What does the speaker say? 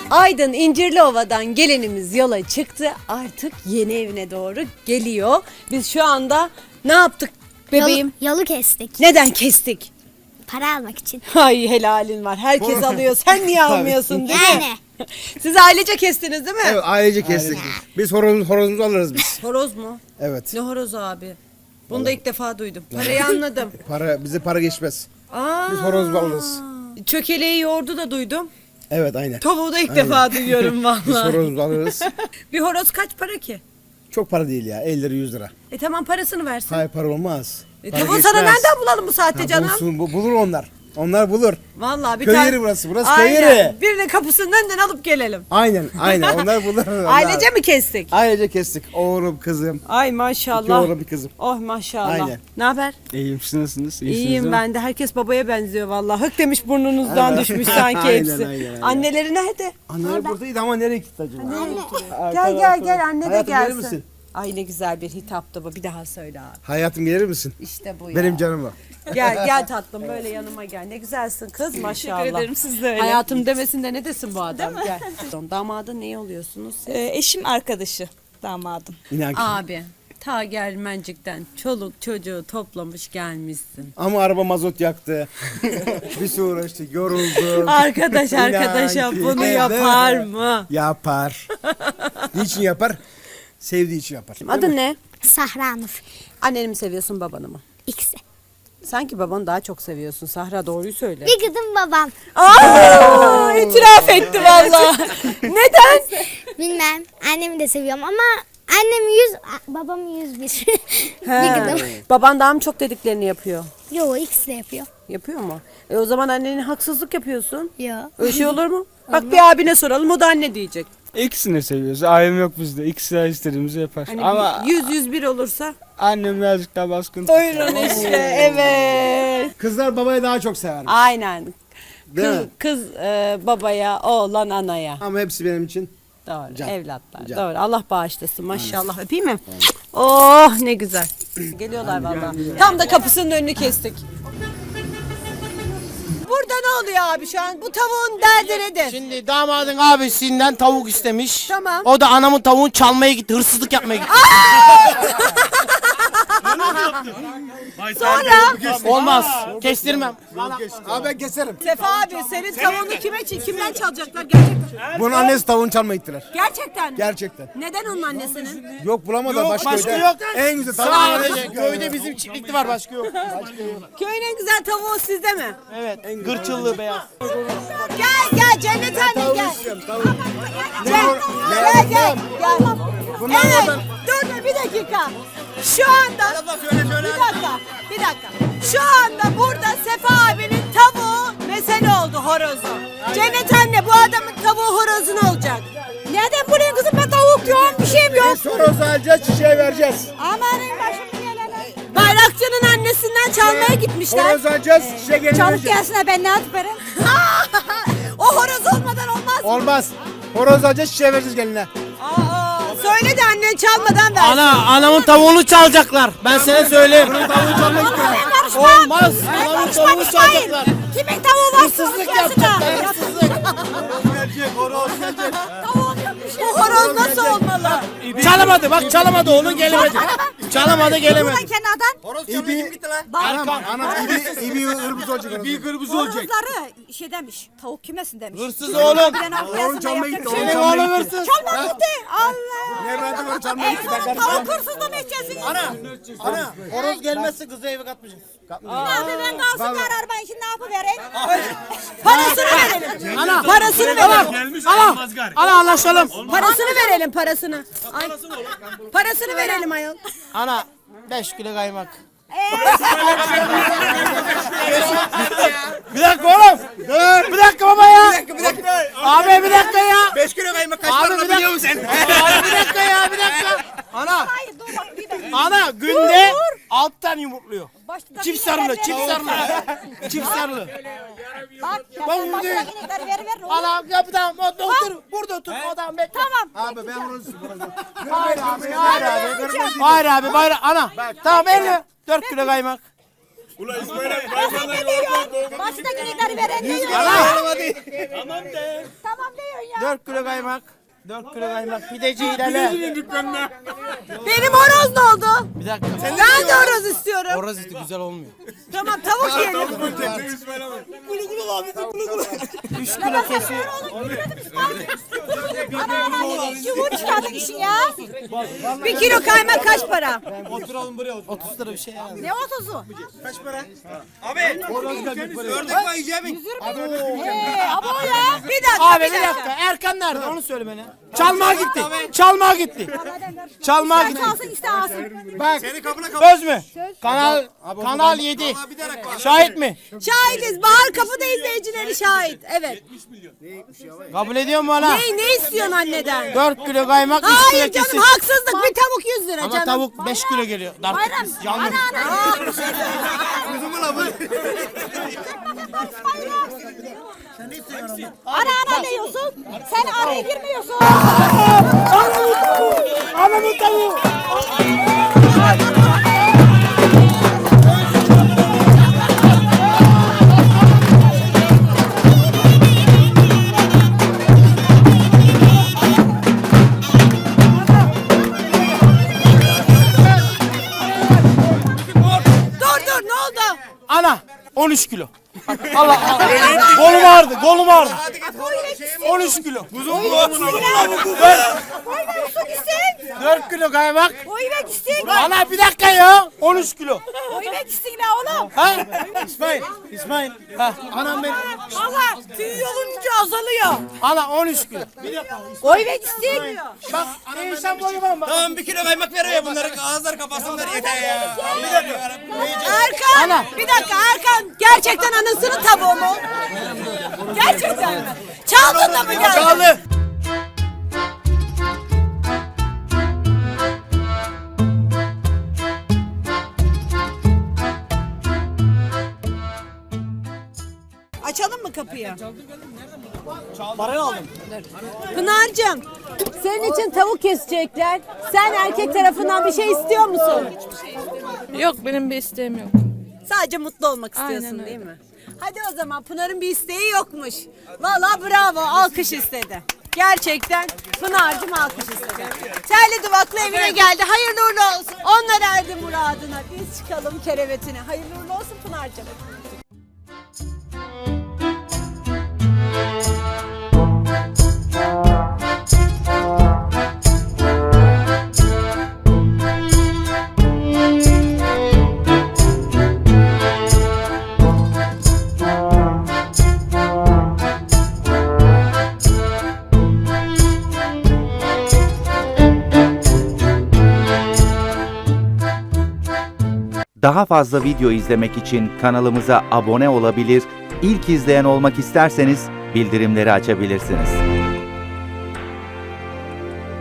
Aydın İncirliova'dan gelinimiz yola çıktı. Artık yeni evine doğru geliyor. Biz şu anda ne yaptık bebeğim? Yolu kestik. Neden kestik? Para almak için. Ay helalin var. Herkes alıyor. Sen niye almıyorsun değil mi? Yani. Siz ailece kestiniz değil mi? Evet, ailece kestik. Biz horozumuzu alırız biz. Horoz mu? Evet. Ne horozu abi? Bunu da ilk defa duydum. Parayı anladım. Bize para geçmez. Aa, Biz horoz alırız. çökeleği yoğurdu da duydum. Evet, aynen. Tavuğu da ilk defa duyuyorum Biz vallahi. horozumuzu alırız. Bir horoz kaç para ki? Çok para değil ya. 50 lira 100 lira. Tamam parasını versin. Hayır, para olmaz. Para Tavuğu sana geçmez. nereden bulalım bu saatte Ha, canım? bulur onlar. Onlar bulur. Vallahi bir Köy tane... yeri burası. Burası Aynen. köy yeri. Birinin kapısının önünden alıp gelelim. Aynen. Onlar bulur. Ailece mi kestik? Ailece kestik. Oğlum, kızım. Ay İki maşallah. oğlum, bir kızım. Oh maşallah. Aynen. Ne haber? İyiyim, siz nasılsınız? İyisiniz İyiyim değil mi? ben de. Herkes babaya benziyor vallahi. Hık demiş burnunuzdan düşmüş sanki Aynen, hepsi. aynen. Anneleri nerede? Anneler buradaydı ama nereye gitti acaba? Gel anne de Hayatım, gelir gelsin. misin? Ay ne güzel bir hitaptı bu. Bir daha söyle abi. Hayatım, gelir misin? İşte bu ya. Benim canım o. Gel tatlım böyle yanıma gel. Ne güzelsin kız maşallah. Teşekkür ederim, siz de öyle. Hayatım demesin de ne desin bu adam gel. Damadın ne oluyorsunuz siz? Eşim arkadaşı damadım. İnan ki. Abi ta Germencik'ten çoluk çocuğu toplamış gelmişsin. Ama araba mazot yaktı. Bir sürü uğraştık, yorulduk. Arkadaş İnan arkadaşa ki. bunu Evet. yapar mı? Yapar. Niçin yapar? Sevdiği için yapar. Adın ne? Sahra Nur. Anneni mi seviyorsun babanı mı? İkisi. Sanki babanı daha çok seviyorsun. Sahra doğruyu söyle. Bir kızım babam. Aa, itiraf etti valla. Neden? Bilmem. Annemi de seviyorum ama annem 100, babam 101. Bir kızım. Baban daha mı çok dediklerini yapıyor? Yo, ikisi de yapıyor. Yapıyor mu? O zaman annene haksızlık yapıyorsun. Yo. Öyle şey olur mu? Bak bir abine soralım o da anne diyecek. İkisini seviyoruz. Ailem yok bizde. İkisi de istediğimizi yapar. Hani Ama 100-101 olursa. annem birazcık daha baskın. Buyurun işte evet. Kızlar babaya daha çok sever. Aynen. Değil mi? Kız babaya, oğlan anaya. Ama hepsi benim için. Doğru. Can. Evlatlar. Can. Doğru. Allah bağışlasın. Maşallah. Öpeyim mi? Oh ne güzel. Geliyorlar vallahi. Tam da kapısının önünü kestik. Burada ne oluyor abi şu an? Bu tavuğun derdi nedir? Şimdi damadın abisinden tavuk istemiş. Tamam. O da anamın tavuğunu çalmaya gitti, hırsızlık yapmaya gitti. Sonra Olmaz, kestirmem. Abi ben keserim. Sefa abi senin tavuğunu kimden çalacaklar gerçekten? Bunun annesi tavuğunu çalmaya gittiler. Gerçekten mi? Gerçekten. Neden onun annesinin? Yok, bulamadılar. Başka köyde. yok. En güzel tavuğu. Sadece köyde bizim çiftlikli var, başka yok. Köyün en güzel tavuğu sizde mi? Evet, gırçıllı beyaz. Gel Cennet anne gel. Tavuk. Gel. Bunlar Evet. oradan- Dur bir dakika. Şu anda bir dakika. Şu anda burada Sefa abinin tavuğu mesele oldu, horozu. Cennet anne bu adamın tavuğu horozu ne olacak? Neden buraya kızım ben tavuk diyorum bir şeyim yok. Horozu alacağız, çiçeği vereceğiz. Amanın başım gelene. Bayrakçının annesinden çalmaya gitmişler. Horozu alacağız, çiçeği geri Çabuk vereceğiz. gelsin ha, ben ne yaparım? O horoz olmadan olmaz. Olmaz. Horozu alacağız, çiçeği vereceğiz geline. Söyle de annen çalmadan ver. Anamın tavuğunu çalacaklar. Ben sana söyleyeyim. Olmaz. Anamın tavuğunu çalacaklar. Kimin tavuğu var? Hırsızlık yapacaklar, hırsızlık. Bu horoz nasıl olmalı? Çalamadı, bak çalamadı, onun gelemedi. Çalamadı, gelemedi. Kenardan. Anam ibi hırbız olacak. İbi hırbız olacak. Horozları şey demiş. Tavuk kimesin demiş. Hırsız oğlum. Oğlum çalmaya gitti. Senin oğlun hırsız. Çalma gitti. Allah. Ne verdi onu çalmaya gitti. Tavuk hırsız da mı içeceksiniz? Ana, horoz gelmezse kızı eve katmayacağız. Abi ben kalsın karar ben şimdi ne yapıvereyim? Parasını verelim. Ana, Parasını verelim. ana anlaşalım. Parasını verelim parasını. Ay. Parasını verelim ayol. Ana, 5 kilo kaymak. Bir dakika oğlum. Dur. Bir dakika baba ya. Bir dakika. Abi bir dakika ya. 5 kilo kaymak kaç Abi bir dakika. Abi bir dakika ya, bir dakika. Ana günde 6 tane yumurtluyor. Çift sarılı, çift sarılı. Çift sarılı. Bak Ben başına buradayım. gider ver. Ana yapıdan otur. Burada otur. Odan bekle. Tamam. Abi ben horozu. Hayır abi. Ana. Tamam elle. 4 kilo kaymak. Baştaki gideri veren ne yiyor? Tamam de. Tamam diyorsun ya. 4 kilo kaymak. 4 kilo kaymak. Pideci ilerle. Benim horoz ne oldu? Bir dakika. Ben de horoz istiyorum. Horoz eti güzel olmuyor. Tamam tavuk yiyelim. 3 kilo kesiyor. Çubuğu çıkardık işin ya. 1 kilo kaymak kaç para? 30 lira bir şey yani. Ne 30'u? Ördek var yiyeceğim. Abo ya. Bir dakika Abi bir dakika. Erkan nerede? Onu söyle bana. Çalmaya gitti. Çalmaya gitti. Çalmaya gitti. Kalsın iste alsın. Bak. Söz mü? Kanal 7. Şahit mi? Şahidiz. Bahar Kapı'da izleyicileri şahit. Evet. Kabul ediyor mu bana? Ne istiyorsun anneden? 4 kilo kaymak 3 kilo Hayır canım kesin. haksızlık. Bir tavuk 100 lira Ama canım. tavuk 5 kilo geliyor. Bayram. Yanlış. Ana ne yiyorsun? Sen araya girmiyorsun. Anamın tavuğu. Dur ne oldu? Ana 13 kilo. Allah Allah. Kolum ağrıdı. 13 kilo. Su gitsin. 4 kilo kaymak. Oy ver gitsin. Ana bir dakika ya. 13 kilo. Oy ver gitsin la oğlum. Ha? İsmail. Ha. Anam benim. Allah tüy olunca azalıyor. Ana 13 kilo. Oy ver gitsin. Bak insan boyu var mı? Tamam 1 kilo kaymak veriyor bunları ağızları kapatsınlar yeter ya. Erkan. Bir dakika Erkan. Gerçekten anasının tavuğu mu? Gerçekten mi? Çaldın da mı geldin? Çaldı. Açalım mı kapıyı? Parayı aldım. Pınar'cığım senin için tavuk kesecekler. Sen erkek tarafından bir şey istiyor musun? Yok benim bir isteğim yok. Sadece mutlu olmak istiyorsun Aynen öyle. değil mi? Hadi o zaman Pınar'ın bir isteği yokmuş. Valla bravo alkış istedi. Gerçekten Pınar'cığım alkış istedi. Terli duvaklı evine geldi. Hayırlı uğurlu olsun. Onlar erdi muradına. Biz çıkalım kerevetine. Hayırlı uğurlu olsun Pınar'cığım. Daha fazla video izlemek için kanalımıza abone olabilir, ilk izleyen olmak isterseniz bildirimleri açabilirsiniz.